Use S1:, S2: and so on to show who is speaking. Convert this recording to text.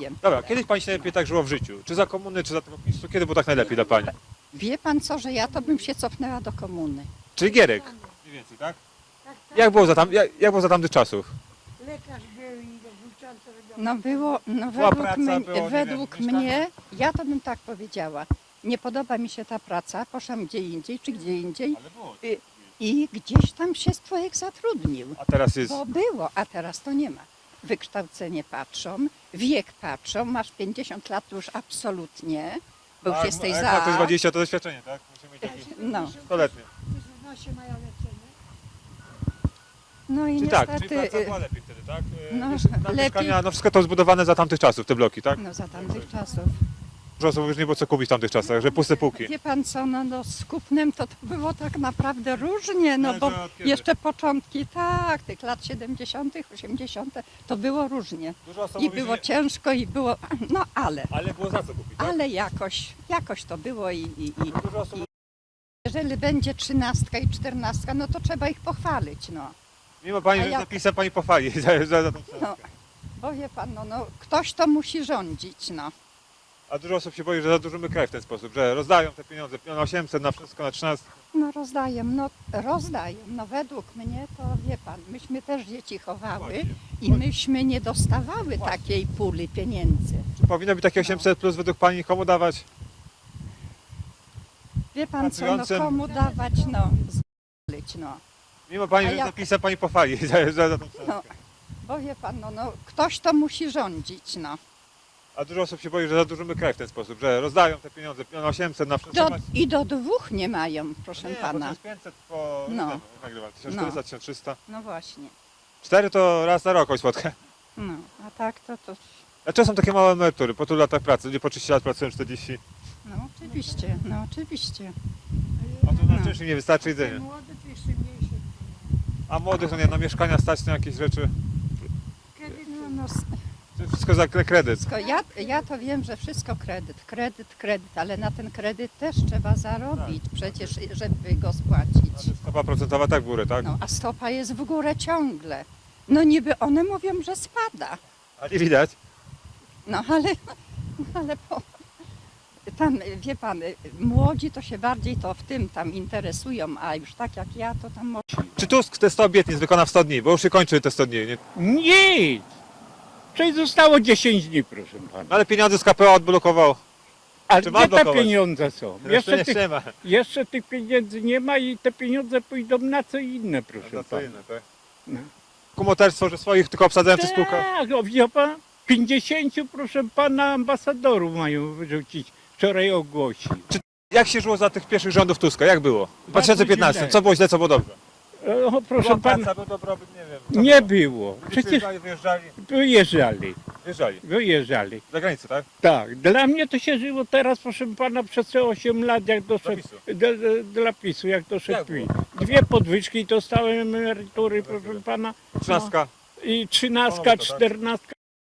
S1: wiem.
S2: Dobra, kiedyś pani się najlepiej tak żyło w życiu? Czy za komuny, czy za tego PiSu? Kiedy było tak najlepiej dla pani?
S1: Wie pan co, że ja to bym się cofnęła do komuny.
S2: Czyli Gierek? Mniej więcej, tak? Jak było za tamtych czasów?
S3: Lekarz był i włóczący robił.
S1: No było, no
S2: Była
S1: według,
S2: praca,
S1: mnie,
S2: było, nie
S1: według
S2: wiem,
S1: mnie, ja to bym tak powiedziała, nie podoba mi się ta praca, poszłam gdzie indziej, czy gdzie indziej
S2: Ale było.
S1: i gdzieś tam się człowiek zatrudnił.
S2: A teraz jest...
S1: Bo było, a teraz to nie ma. Wykształcenie patrzą, wiek patrzą, masz 50 lat to już absolutnie, bo już jesteś
S2: jak ma to
S1: za.
S2: 20, to doświadczenie, tak? Musimy mieć jakieś
S1: No,
S2: 100-letnie.
S3: W mają leczenie.
S1: no i
S2: Czyli tak, czyli
S1: niestety,
S2: praca była lepiej wtedy, tak?
S1: no,
S2: Na
S1: lepiej.
S2: mieszkania, no wszystko to zbudowane za tamtych czasów, te bloki, tak?
S1: no za tamtych czasów.
S2: Dużo osób już nie było co kupić w tamtych czasach, że puste półki.
S1: Wie pan co, no z kupnem to było tak naprawdę różnie, no
S2: Ale
S1: bo
S2: to od kiedy?
S1: jeszcze początki, tak, tych lat 70., 80., to było różnie.
S2: Dużo osób
S1: I
S2: mówi,
S1: było
S2: że...
S1: ciężko i było, no
S2: Ale było za co kupić, tak?
S1: ale jakoś to było i
S2: Dużo osób...
S1: jeżeli będzie 13 i 14, no to trzeba ich pochwalić, no.
S2: Mimo pani,
S1: A
S2: że
S1: jak-
S2: zapisem pani pochwali za tą
S1: No,
S2: książkę.
S1: bo wie pan, no ktoś to musi rządzić, no.
S2: A dużo osób się boi, że zadłużymy kraj w ten sposób, że rozdają te pieniądze, na 800, na wszystko, na 13.
S1: No rozdaję, no według mnie to wie pan, myśmy też dzieci chowały
S2: Właśnie.
S1: i myśmy nie dostawały takiej puli pieniędzy.
S2: Czy powinno być takie 800 plus według pani komu dawać?
S1: Wie pan co, no
S2: Pracującym.
S1: komu dawać, no zlić, no.
S2: Mimo pani,
S1: A
S2: że
S1: jak-
S2: zapisem pani pochwali za tą książkę.
S1: No, bo wie pan, no ktoś to musi rządzić, no.
S2: A dużo osób się boi, że zadłużymy kraj w ten sposób, że rozdają te pieniądze, na 800, na wszystko.
S1: I do dwóch nie mają, proszę
S2: Nie, bo
S1: pana.
S2: 1500 po
S1: No.
S2: nagrywa, 1400, 1300.
S1: No właśnie,
S2: 4 to raz na rok oj spotkę.
S1: no, a tak to,
S2: Dlaczego są takie małe emerytury po tylu latach pracy? Ludzie po 30 lat pracują 40.
S1: no oczywiście, no oczywiście.
S2: A to na
S1: No.
S2: czymś im nie wystarczy jedzenie.
S3: Młody to jeszcze mniejszy.
S2: A młodych to nie, na mieszkania stać na jakieś rzeczy.
S3: Kredyt
S1: No,
S2: To wszystko za kredyt.
S1: wszystko, ja to wiem, że wszystko kredyt, ale na ten kredyt też trzeba zarobić przecież, żeby go spłacić.
S2: Stopa procentowa tak w górę, tak?
S1: No, a stopa jest w górę ciągle. No niby one mówią, że spada.
S2: A nie widać.
S1: No ale tam, wie pan, młodzi to się bardziej to w tym tam interesują, a już tak jak ja, to tam może...
S2: Czy Tusk te 100 obietnic wykona w 100 dni? Bo już się kończy te 100 dni. Nie?
S4: Nic! Czyli zostało 10 dni, proszę pana.
S2: No ale pieniądze z KPO odblokował.
S4: A
S2: czy ma
S4: gdzie te
S2: blokować?
S4: pieniądze są?
S2: Nie ma.
S4: Jeszcze tych pieniędzy nie ma i te pieniądze pójdą na co inne, proszę
S2: No to
S4: pana.
S2: inne, tak?
S4: No.
S2: Kumoterstwo, że swoich tylko obsadzają przy spółkach.
S4: Tak, o, wie pan, 50, proszę pana, ambasadorów mają wyrzucić. Wczoraj ogłosili.
S2: Jak się żyło za tych pierwszych rządów Tuska? Jak było? W
S4: Bardzo
S2: 2015.
S4: źle.
S2: Co było źle, co było dobrze?
S4: O, proszę pana,
S2: był dobrobyt, nie wiem.
S4: nie było. Przecież
S2: Wyjeżdżali.
S4: wyjeżdżali.
S2: Za granicę, tak?
S4: Tak, dla mnie to się żyło teraz, proszę pana, przez te 8 lat, jak doszedł, dla PiSu, jak doszedł
S2: Jak było?
S4: PiS. 2 podwyżki dostałem emerytury, proszę pana.
S2: 13.
S4: I 13,
S2: Ponownie to, tak?
S4: 14.